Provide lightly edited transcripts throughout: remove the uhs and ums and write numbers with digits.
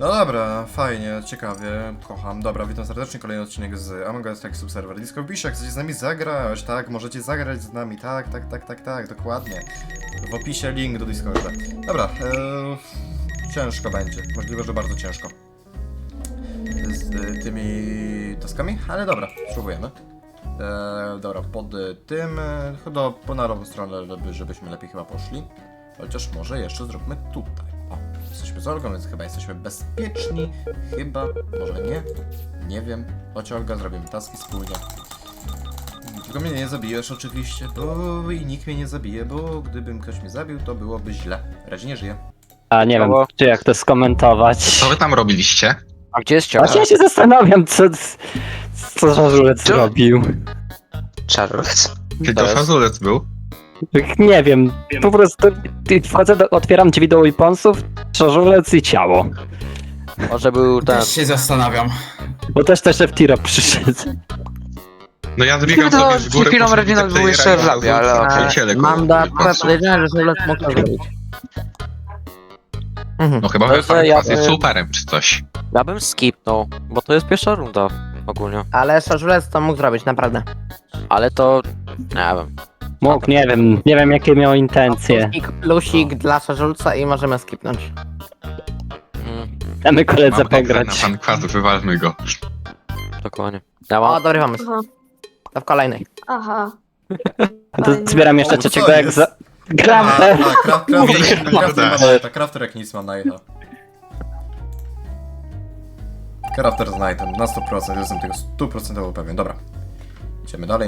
No dobra, fajnie, ciekawie, kocham. Dobra, witam serdecznie, kolejny odcinek z Among Us Tech Subserver Disco. Wpisz, jak chcecie z nami zagrać, tak, możecie zagrać z nami, tak, dokładnie. W opisie link do Discorda. Dobra, ciężko będzie, możliwe, że bardzo ciężko. Z tymi taskami, ale dobra, spróbujemy. Dobra, pod tym, chyba po na lewą stronę, żebyśmy lepiej chyba poszli. Chociaż może jeszcze zróbmy tutaj. O, jesteśmy z Olgą, więc chyba jesteśmy bezpieczni. Chyba, może nie. Nie wiem. Chodź Olga, zrobimy taski wspólnie. Tylko mnie nie zabijesz oczywiście, bo i nikt mnie nie zabije, bo gdybym ktoś mnie zabił, to byłoby źle. Razie nie żyje. A nie wiem, czy jak to skomentować. Co wy tam robiliście? A gdzie jest ciało? Właśnie ja się zastanawiam, co Żarzulec zrobił. Czarolec? Czy to fazulec był? Nie wiem, po prostu wchodzę, otwieram drzwi do weaponsów, Żarzulec i ciało. Może był ten... Też się zastanawiam. Bo też F-Tiro przyszedł. No ja zbiegam To sobie z góry, przed chwilą poszedłem Reginald do był jeszcze w labie, ale okej. przyjaciele Mam go- akurat podejrzenie, że Żarzulec mógł to zrobić. No chyba Ale to ja- Faz jest superem czy coś. Ja bym skipnął, bo to jest pierwsza runda ogólnie. Ale Żarzulec to mógł zrobić, naprawdę. Ale to... nie wiem. Mógł, nie wiem jakie miał intencje. Plusik dla Żarzulca i możemy skipnąć. Damy koledze Mam tekst na pograć. pan kwasu, wywalmy go. Dokładnie. Ja O, mam... dobry pomysł. Aha. To w kolejnej. Aha. To zbieram jeszcze O, co trzeciego jak jest? za... Gramy! Crafter jak nic ma Nighta. Crafter z Nightem, na 100%, jestem tego 100% pewien. Dobra, idziemy dalej.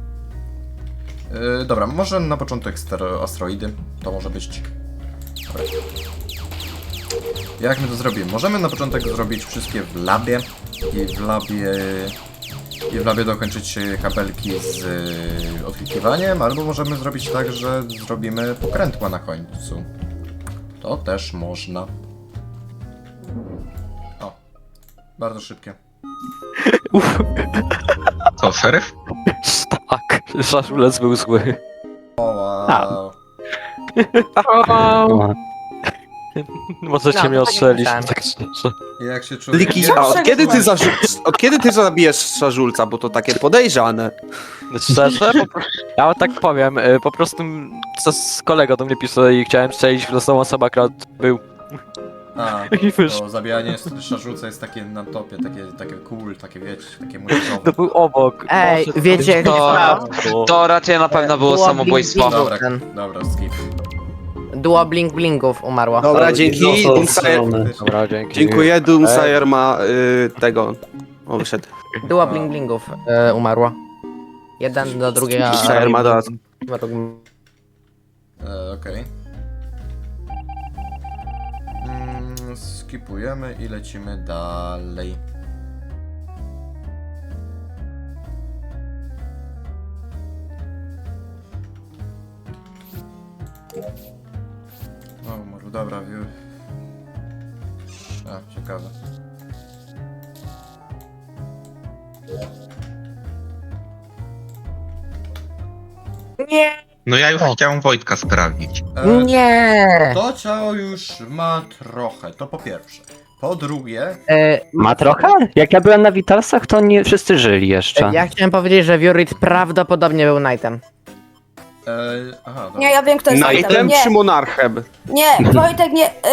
Dobra, może na początek asteroidy, to może być... Dobra. Jak my to zrobimy? Możemy na początek zrobić wszystkie w labie i w labie dokończyć kabelki z odklikiwaniem, albo możemy zrobić tak, że zrobimy pokrętła na końcu. To też można. O, bardzo szybkie. Co, szeryf? Tak, Żarzulec był zły. O, wow. O, Możecie No, mnie to tak ostrzelić, myślałem. tak szczerze. Jak się czujesz? Liki, a od kiedy ty zabijesz Żarzulca, bo to takie podejrzane. Szczerze? Ja tak powiem, po prostu kolega do mnie pisał i chciałem strzelić w losową osobę, akurat był. A, I wyszło. to zabijanie szarżuca jest takie na topie, takie cool, takie wiecie, takie muzyczne. To był obok. Ej, Boże, wiecie, to... raczej na pewno było Duo samobójstwo. Blink Dobra, Blink. dobra, skip. Duo Blink Blinków umarło. Dobra, dzięki. Dobra, dzięki. Dziękuję, Doomsayer ma tego. O, wyszedł. Duo Blink Blinków umarło. Jeden do drugiego. Doomsayer ma dodatk. Okej. Skipujemy i lecimy dalej. O, może dobra, a, ciekawe. No ja już chciałem Wojtka sprawdzić. Nie! To ciało już ma trochę, to po pierwsze. Po drugie, ma trochę? Jak ja byłem na Vitalsach, to nie wszyscy żyli jeszcze. Ja chciałem powiedzieć, że Vurit prawdopodobnie był Knightem. aha, dobra. Nie, ja wiem kto jest Knightem Wojtek. czy Nie, monarchem? nie, Wojtek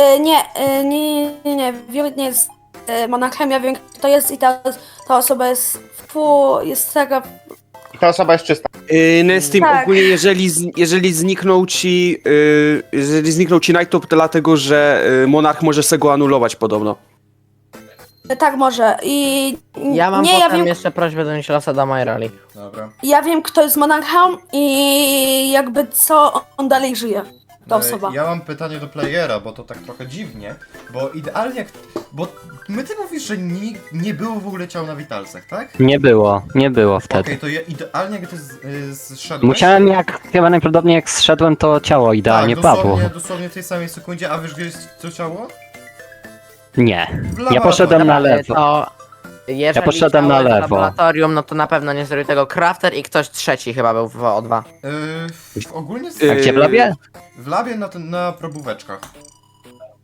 nie, Wojtek nie jest monarchem, ja wiem kto to jest i ta osoba jest, jest taka, Ta osoba jest czysta. Nestim, Tak. ogólnie jeżeli zniknął ci Knight, to dlatego, że monarch może se go anulować podobno. tak może i Ja mam nie, ja potem wiem, jeszcze prośbę do Nichilosa do mojej roli. Dobra. ja wiem kto jest monarchem i jakby co on dalej żyje, ta osoba. Ja mam pytanie do playera, bo to tak trochę dziwnie, bo idealnie jak... Bo ty mówisz, że nie było w ogóle ciał na Witalsach, tak? Nie było wtedy. Okej, to ja idealnie jak ty zszedłeś... Musiałem chyba najprawdopodobniej jak zszedłem, to ciało idealnie tak, padło. dosłownie w tej samej sekundzie, a wiesz gdzie jest to ciało? Nie. W Ja poszedłem na lewo. To jeżeli Ja poszedłem na ciało jest w lewo. laboratorium, no to na pewno nie zrobił tego Crafter i ktoś trzeci chyba był w O2. Ogólnie A gdzie w labie? w labie na probóweczkach.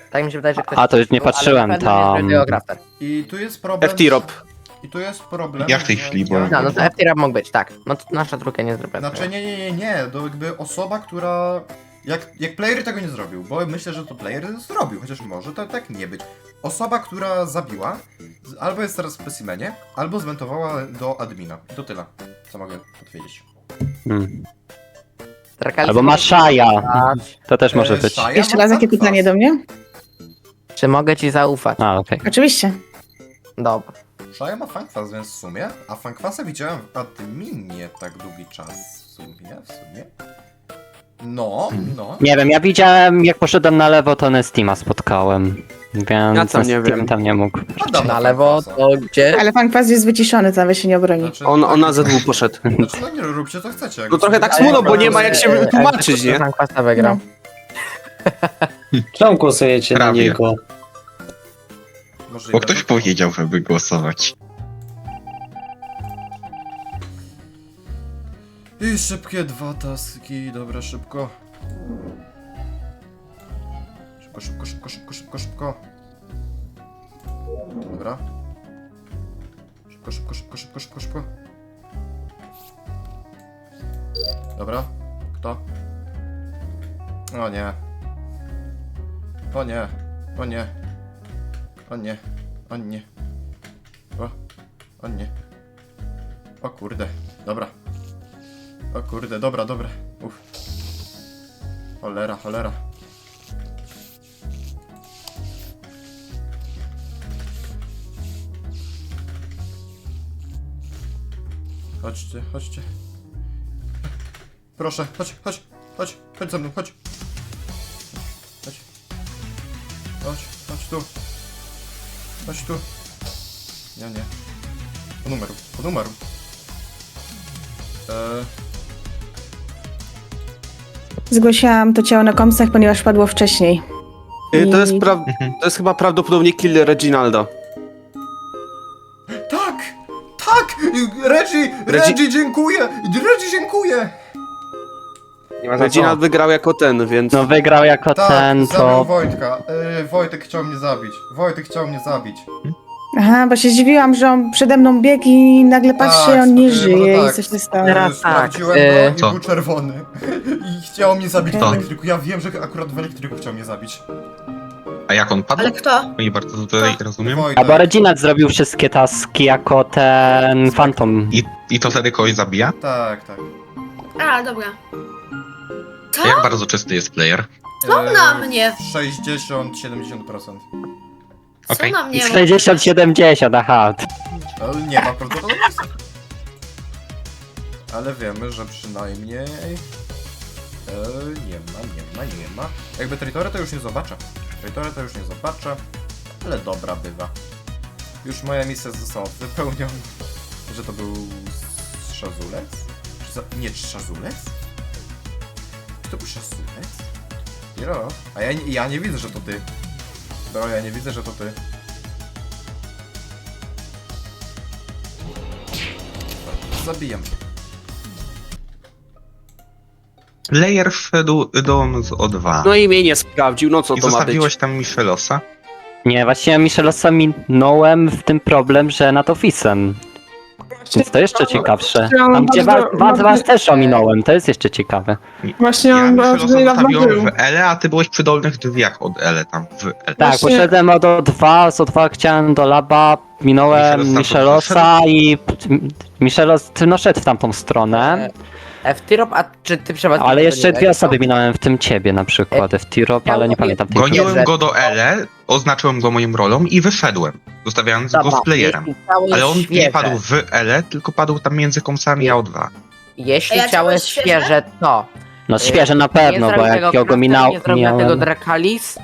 Tak mi się wydaje, że ktoś... A, to już nie patrzyłem ale na pewno nie tam. zrobił tego Crafter. I tu jest problem... FT-Rob. I tu jest problem... Ja w tej że chwili, bo- No, no to FT-Rap mógł być, tak. No to nasza trójka nie zrobiła Znaczy tego. nie, to jakby osoba, która... Jak player tego nie zrobił, bo myślę, że to player zrobił, chociaż może to tak nie być. Osoba, która zabiła, albo jest teraz w specimenie, albo zmentowała do admina. I to tyle, co mogę powiedzieć. Hmm. Drakalis Albo nie Maszaja. zaufać. To też może być. Shaya Jeszcze ma raz, jakie fakt pytanie fast. do mnie? Czy mogę ci zaufać? A, okej. Oczywiście. Dobra. Shaya ma Funkwas, więc w sumie, a Funkwasa widziałem w adminie tak długi czas. W sumie. No. Nie wiem, ja widziałem, jak poszedłem na lewo, to Nestima spotkałem. Więc Ja tam nie Nestim wiem. tam nie mógł. Adam Na ma lewo Funkwasa. to gdzie? Ale pan Kwas jest wyciszony, tam się nie obroni. Znaczy, On na Z2 poszedł. Znaczy, no nie róbcie co chcecie. jak No trochę sobie- tak smutno, bo nie ma jak się wytłumaczyć, nie? Kwasta wygrał. Czemu głosujecie na Prawie. niego? Możliwe, Bo ktoś że- powiedział, żeby głosować. I szybkie 2 taski, dobra, szybko. Szybko. Dobra. Szybko. Dobra. Kto? O nie. O nie. O nie. O nie. O nie. O nie. O kurde. Dobra. O kurde, dobra. Uff. Cholera. Chodźcie. Proszę, chodź ze mną, chodź tu. Chodź tu. Nie. Po numeru. Zgłosiłam to ciało na komsach, ponieważ padło wcześniej. To jest chyba prawdopodobnie kill Reginalda. Tak! Reggie, dziękuję! Nie ma za Reginald wygrał jako ten, więc... No wygrał jako ten, zabił to... Wojtka. Wojtek chciał mnie zabić. Aha, bo się zdziwiłam, że on przede mną biegł i nagle patrzcie, Tak, on nie może żyje tak. i coś się stało. Teraz tak, Sprawdziłem go i co? był czerwony. I chciał mnie zabić w Kto? elektryku. Ja wiem, że akurat w elektryku chciał mnie zabić. A jak on padł? Ale kto? Nie bardzo tutaj rozumiem. Wojtek. Albo Reginald zrobił wszystkie taski jako ten Phantom. I to wtedy kogoś zabija? Tak. A, dobra. A jak bardzo czysty jest player? Co na mnie? 60-70%. Okej. Co na mnie? 60-70, aha. Ale nie ma prawdopodobieństwa. Ale wiemy, że przynajmniej... nie ma. Jakby Traitora to już nie zobaczę. Ale dobra bywa. Już moja misja została wypełniona. Że to był Szazulec? Nie, Szazulec? Czy to był Szazulec? Bro, a ja nie widzę, że to ty. Bro, ja nie widzę, że to ty. Zabijam. Layer wszedł do z O2. No i mnie nie sprawdził, no co I to ma być? zostawiłeś tam Michelosa? Nie, właśnie Michelosa minąłem w tym problem, że nad ofisem. Więc to jeszcze ciekawsze. Tam gdzie was też ominąłem, to jest jeszcze ciekawe. Właśnie Ja Michelosa zostawiłem w L, a ty byłeś przy dolnych drzwiach od L tam w L. Tak, Właśnie- poszedłem od O2, z O2 chciałem do laba, minąłem Michelos tam Michelosa i Michelos no szedł w tamtą stronę, FT-Rap, a czy ty przeważnie... ale jeszcze dwie osoby minąłem, w tym ciebie na przykład, FT-Rob, ale nie pamiętam tej Goniłem go do L, oznaczyłem go moją rolą i wyszedłem, zostawiając go z playerem. Ale on nie padł w L, tylko padł tam między komsami a O2. Jeśli A ja ciało ciało jest jest świeże? świeże, to... No świeże na pewno, bo jak ja go minąłem... Nie zrobił tego minąłem... Drakalis.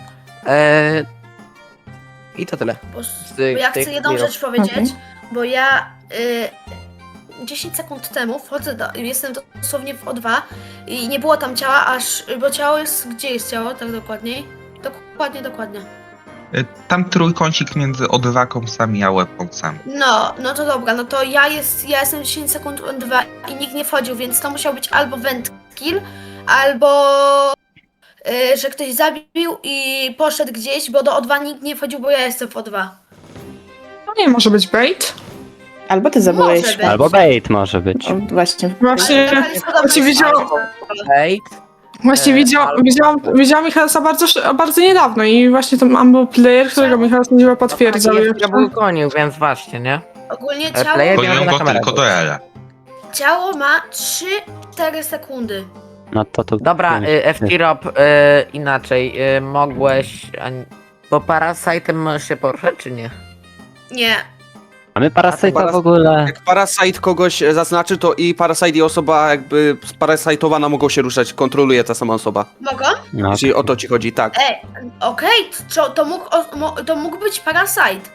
I to tyle. Bo tych- ja tych chcę jedną clearów. rzecz powiedzieć, Okej. bo ja 10 sekund temu wchodzę jestem dosłownie w O2 i nie było tam ciała, bo ciało jest, gdzie jest ciało, tak dokładniej? Dokładnie. Tam trójkącik między O2 komsami a weaponsami. No to dobra, no to ja jestem 10 sekund O2 i nikt nie wchodził, więc to musiał być albo vent kill, albo że ktoś zabił i poszedł gdzieś, bo do O2 nikt nie wchodził, bo ja jestem w O2. To nie może być bait. Albo ty zabyłeś. Może być. Albo bait może być. O, właśnie. Właśnie, Ale taka lista właśnie widziałam, Ej, właśnie widziałam Michalsa bardzo niedawno i właśnie tam Ambo Player, którego Michał sędziwa potwierdzał. Ja był gonił, więc właśnie, nie? Ogólnie Player Gonią miał na go kamerę. tylko do L. ciało ma 3-4 sekundy. No to... Dobra, F-Tirop, inaczej, mogłeś... Bo Parasite'em się poruszać, czy nie? Nie. Mamy Parasite'a w ogóle... Jak Parasite kogoś zaznaczy, to i Parasite i osoba jakby sparasitowana mogą się ruszać, kontroluje ta sama osoba. Mogą? No, Jeśli o to ci chodzi, tak. Okej, to mógł być Parasite.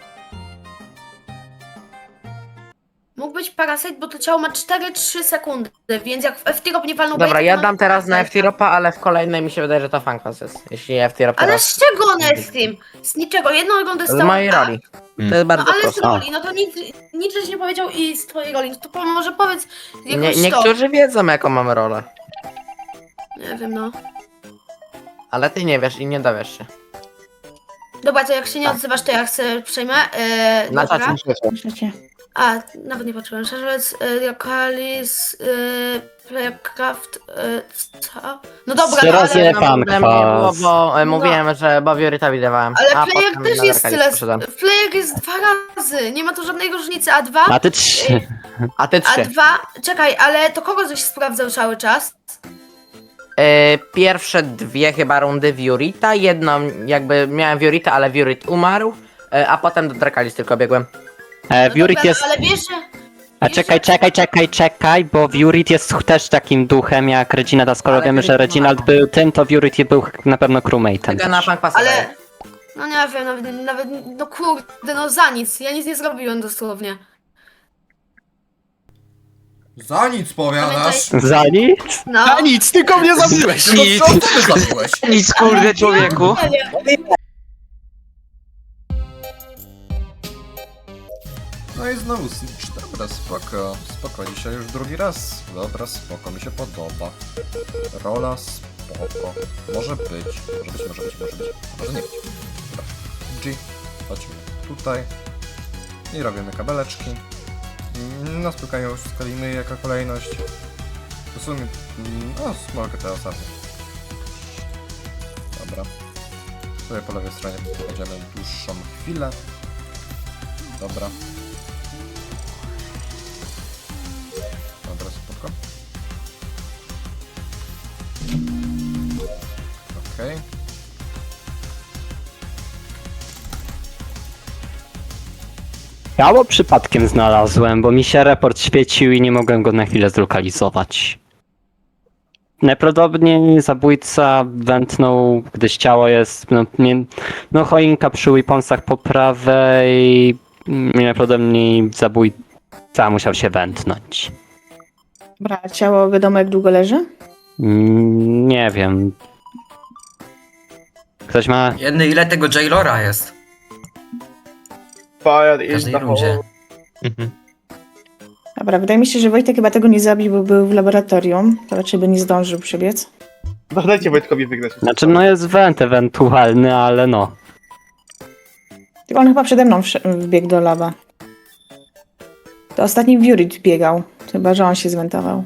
Mógł być Parasite, bo to ciało ma 4-3 sekundy, więc jak F-Tirop nie walnął Dobra, baita, ja to dam teraz na Parasite'a. F-Tiropa, ale w kolejnej mi się wydaje, że to Funkos jest. Jeśli F-Tirop Ale teraz... z czego on jest z tym? Z niczego, jedną rundę Z stał. mojej roli. To jest No bardzo ale z proste. roli, no to nic żeś nie powiedział i z twojej roli, no to może powiedz jakoś Niektórzy wiedzą, jaką mamy rolę. Nie wiem, no. Ale ty nie wiesz i nie dowiesz się. Dobra, to jak się nie odzywasz, to ja chcę przejmę. Na Dobra. czacie. Myślicie? A, nawet nie patrzyłem. Szarżec, Lokalis, Playcraft, co? No dobra, Trzy no razy ale... F- Fan Nie było, kwas. bo mówiłem, że Bobioryta widywałem. Ale a Player potem też na jest Darkalis tyle. poszedłem. Player jest 2 razy. Nie ma tu żadnej różnicy. A 2? A ty 3. A ty 3. A 2? Czekaj, ale to kogo żeś sprawdzał cały czas? Pierwsze 2 chyba rundy Viorita, jedną jakby miałem Viorita, ale Viorit umarł, a potem do Drakalis tylko biegłem. No Vurit dobra, jest... Ale wiesz, że... A czekaj, bo Vurit jest też takim duchem jak Reginald, a skoro Ale wiemy, że Vurit Reginald ma- był tym, to Vurit był na pewno crewmate'em. Tylko na też. Punk Pasa Ale... daję. No nie wiem, nawet, no kurde, no za nic. Ja nic nie zrobiłem dosłownie. Za nic powiadasz! Za nic? No. nic, tylko mnie zabiłeś! No co ty zabiłeś? nic kurde człowieku. Nie wiem. No i znowu snitch, dobra, spoko, dzisiaj już drugi raz. Dobra, spoko, mi się podoba. Rola, spoko. Może być, może nie być. Dobra, G, chodźmy tutaj. I robimy kabeleczki. Na spokojnie już skalimy jako kolejność. W sumie, no, mogę te ostatnie. Dobra. Tutaj po lewej stronie będziemy dłuższą chwilę. Dobra. Dobra, spoko. Okej. Ciało przypadkiem znalazłem, bo mi się report świecił i nie mogłem go na chwilę zlokalizować. Najprawdopodobniej zabójca wętnął, gdyż ciało jest, no choinka przy weaponsach po prawej, najprawdopodobniej zabójca musiał się wętnąć. Dobra, a ciało wiadomo jak długo leży? Nie wiem. Ktoś ma... Ile tego Jailora jest? Fire W is każdej the rundzie. whole... Mhm. Dobra, wydaje mi się, że Wojtek chyba tego nie zabił, bo był w laboratorium. To raczej by nie zdążył przebiec. No dajcie Wojtkowi wygrać. Znaczy no jest węd ewentualny, ale no. Tylko on chyba przede mną wbiegł do laba. To ostatni Vurit biegał. Chyba, że on się zwentował.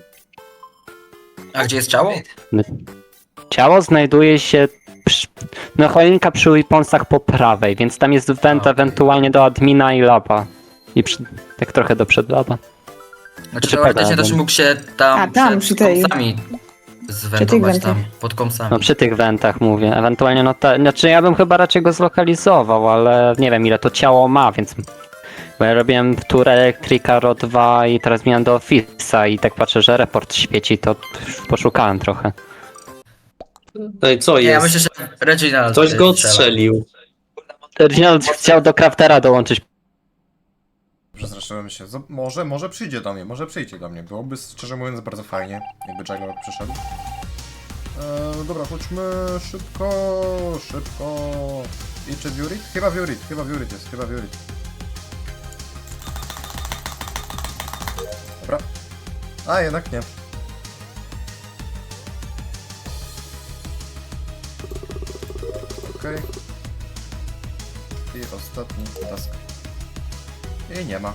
A gdzie jest ciało? Ciało znajduje się no choinka przy weaponsach po prawej, więc tam jest węd okej. ewentualnie do admina i laba. I tak trochę do przedlaba. Znaczy Czy teoretycznie pedałem? też mógł się tam, A, tam, przed przy tej- kąsami tych zwentować tam, wentach. pod kąsami. No przy tych wentach mówię. Ewentualnie no znaczy ja bym chyba raczej go zlokalizował, ale nie wiem ile to ciało ma, więc... Bo ja robiłem tour Electrica RO 2 i teraz miałem do Office'a i tak patrzę, że report świeci, to poszukałem trochę. No i co Nie, ja jest? myślę, że Reginald Ktoś go strzela. odstrzelił. Reginald chciał do Craftera dołączyć. Przestraszyłem się. Może przyjdzie do mnie. Byłoby szczerze mówiąc bardzo fajnie, jakby Jailor przyszedł. Dobra, chodźmy szybko. I czy Vurit? Chyba Vurit jest. Dobra. A, jednak nie. okej. I ostatni task. I nie ma.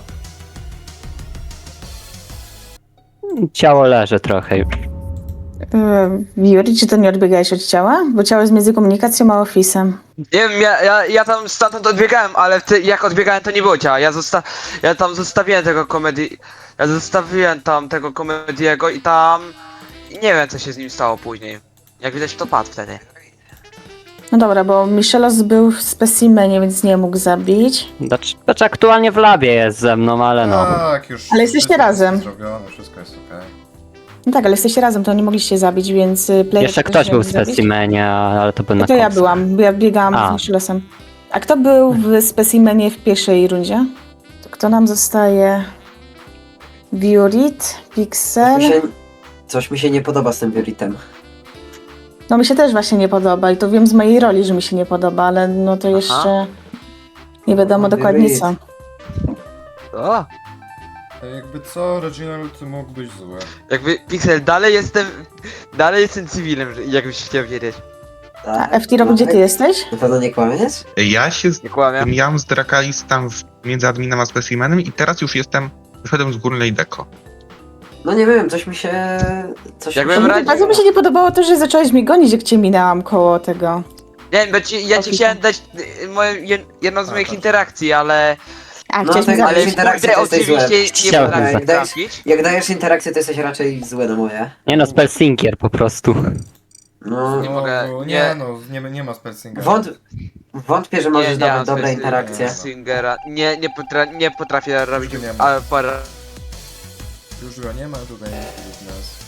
Ciało leży trochę już. Yuri, czy to nie odbiegałeś od ciała? Bo ciało jest między komunikacją a ofisem. Nie wiem, ja tam stamtąd odbiegałem, ale jak odbiegałem to nie było ciała. Ja tam zostawiłem tego komedii. Ja zostawiłem tam tego komediego i tam. I nie wiem co się z nim stało później. Jak widać to padł wtedy. No dobra, bo Michelos był w specimenie, więc nie mógł zabić. Znaczy aktualnie w labie jest ze mną, ale no. Tak, już. Ale jesteście wszystko razem. jest zrobione, wszystko jest okej. No tak, ale jesteście razem, to nie mogliście zabić, więc player Jeszcze też ktoś nie był mógł w zabić. specimenie, ale to był na To ja końcu. byłam, bo ja biegałam A. z Michelosem. A kto był w specimenie w pierwszej rundzie? To kto nam zostaje? Viorit, Pixel. Coś mi się nie podoba z tym Vioritem. No mi się też właśnie nie podoba i to wiem z mojej roli, że mi się nie podoba, ale no to jeszcze nie wiadomo dokładnie co. O! Jakby co, Reginald mógł być zły. Jakby Pixel, dalej jestem cywilem, jakbyś chciał wiedzieć. A FT, gdzie ty jesteś? Na pewno nie kłamiesz? Ja się Nie kłamię. mijałem z Drakalis tam między adminem a specimenem i teraz już wyszedłem z górnej deko. No nie wiem, coś mi się... Jakbym radził- Bardzo mi się nie podobało to, że zacząłeś mnie gonić, jak cię minęłam koło tego. Nie wiem, bo ja ci chciałem dać jedną z moich interakcji, ale... A, No chciałeś tak, mnie ale zabić. interakcja Kurde, to jesteś złe. oczywiście nie Chciałem potrafię Jak dajesz, trafić. jak dajesz interakcję, to jesteś raczej złe na moje. Nie no, spellsinkier po prostu. No, Nie mogę, No, nie. nie ma spelcinga. wątpię, że możesz dawać mam dobre spec- interakcje. Singera. Nie potrafię robić... nie ma. Ale Już go nie ma, tutaj jest nas.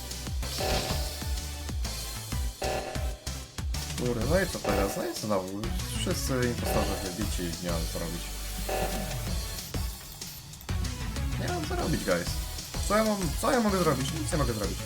Kurde, no i co teraz? No i znowu, wszyscy impostorzy wybici i nie mam co robić. Nie mam co robić, guys. Co ja mogę zrobić? Nic nie mogę zrobić.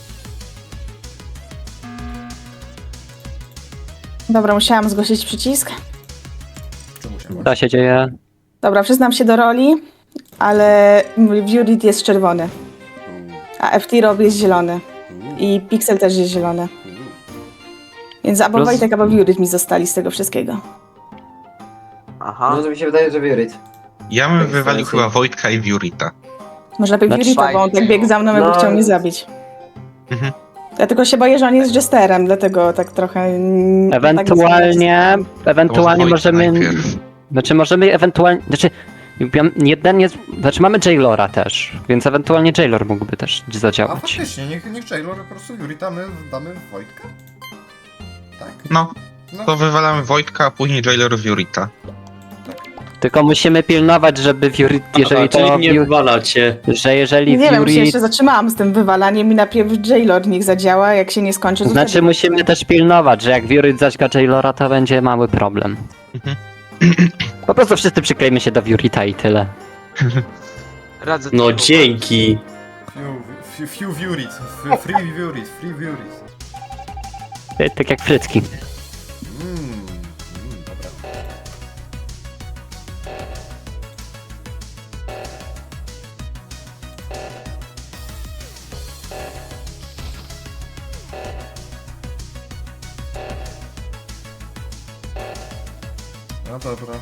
Dobra, musiałam zgłosić przycisk. Czemu się Co się dzieje? Dobra, przyznam się do roli, ale Viorit jest czerwony, a FT Rob jest zielony i Pixel też jest zielony. Więc albo Roz- Wojtek, albo Viorit mi zostali z tego wszystkiego. Aha. No to mi się wydaje, że Viorit. Ja bym Tak, wywalił sensu. chyba Wojtka i Viorita. Może najpierw Znaczy- Viorita, bo on tak biegł za mną, jakby No. chciał mnie zabić. Mhm. Ja tylko się boję, że on jest jesterem, dlatego tak trochę... Ewentualnie To może Wojtka możemy... najpierw. Znaczy możemy ewentualnie... Znaczy mamy Jailora też, więc ewentualnie Jailor mógłby też A zadziałać. faktycznie, niech Jailor po prostu Jurita, my damy Wojtka? Tak. No, No. to wywalamy Wojtka, a później Jailor Viorita. Tylko musimy pilnować, żeby Fury, jeżeli czyli to... mnie wywalacie. Że jeżeli Nie wiem, się Fury... jeszcze zatrzymałam z tym wywalaniem i najpierw Jailor niech zadziała, jak się nie skończy, to Znaczy wtedy- musimy też pilnować, że jak Fury zaćga Jailora, to będzie mały problem. Mhm. Po prostu wszyscy przyklejmy się do Furita i tyle. Radzę No tylko- dzięki. Few Vurit, free Vurit, free Vurit. Tak jak frytki. Dobra. No dobra.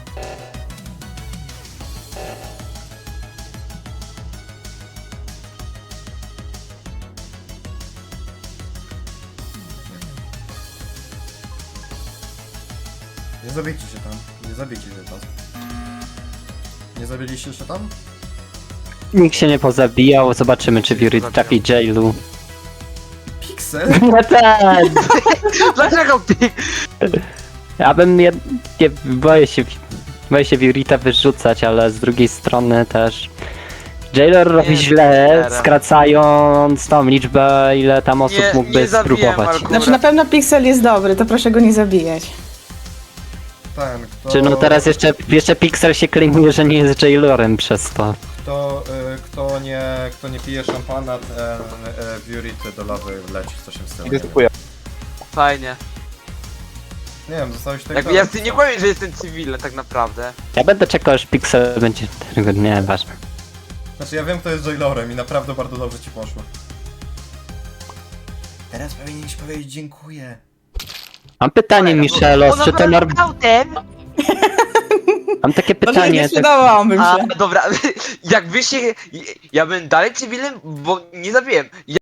Nie zabijcie się tam, nie zabijcie się tam. Nie zabiliście się tam? Nikt się nie pozabijał, zobaczymy czy Fury trafi Jailu. Pixel? No tak! Dlaczego Ja bym nie boję się Furita wyrzucać, ale z drugiej strony też... Jailor robi Nie, źle, nie. skracając tą liczbę, ile tam osób Nie, mógłby nie zabiję spróbować. Marku. Znaczy na pewno Pixel jest dobry, to proszę go nie zabijać. Ten, kto... Czy no teraz jeszcze Pixel się klejmuje, że nie jest Jailorem przez to. Kto nie pije szampana, ten Vurit do lawy leci, coś w stylu. Idę typuję. Fajnie. Nie wiem, zostałeś tak Jakby ja nie powiem, że jestem cywilny tak naprawdę. Ja będę czekał, aż Pixel będzie... Nie, ważne. Znaczy ja wiem, kto jest Jailorem i naprawdę bardzo dobrze ci poszło. Teraz powinieneś powiedzieć dziękuję. Mam pytanie, Michelos, czy to autem? Mam takie Może pytanie. nie Tak, sprzedawałabym A, się. dobra, jakby się... Ja bym dalej cywilem, bo nie zabiłem.